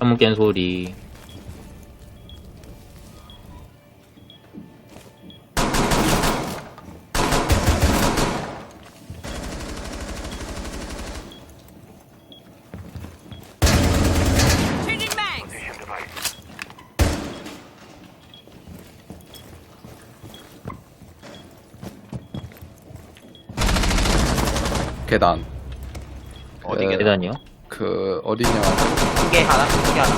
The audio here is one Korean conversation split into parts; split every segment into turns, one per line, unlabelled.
창문 깬 소리.
계단.
어디
그,
계단이요?
어디냐.
크게 하나, 크게 하나.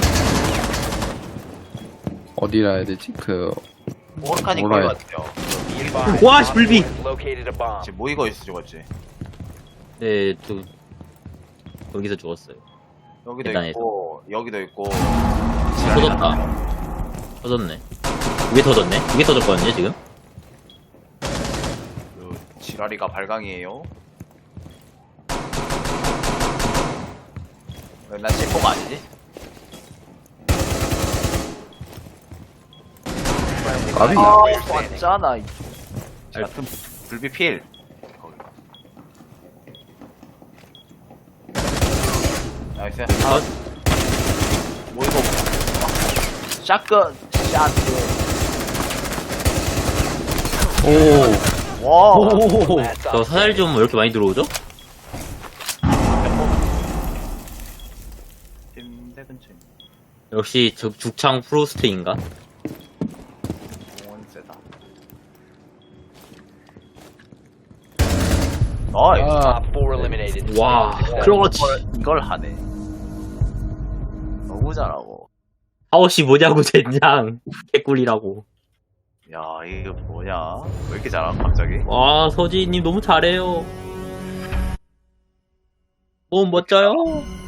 어디라 해야 되지?
오르카닉
뭐라
거의
해.
같아요.
와, 씨, 불비!
지금 모이고 있어, 죽었지.
네, 또, 여기서 죽었어요.
여기도
계단에서.
있고, 여기도 있고.
터졌다. 터졌네. 두개 터졌네? 두 개 터졌거든요, 지금?
그 지라리가 발광이에요. 난 제포가 아니지?
까비.
왔잖아. 같은 불비 필. 나이스.
컷.
뭐 이거? 샷건, 샷건.
오.
와.
오, 저 사살 좀 왜 이렇게 많이 들어오죠?
침대 근처에
역시 죽창 프로스트인가?
공원 세다. 나이스.
와, 그렇지.
이걸 하네. 너무 잘하고.
하오씨 뭐냐고, 젠장. 개꿀이라고.
야, 이거 뭐냐? 왜 이렇게 잘함, 갑자기?
와, 서지님 너무 잘해요. 너무 멋져요.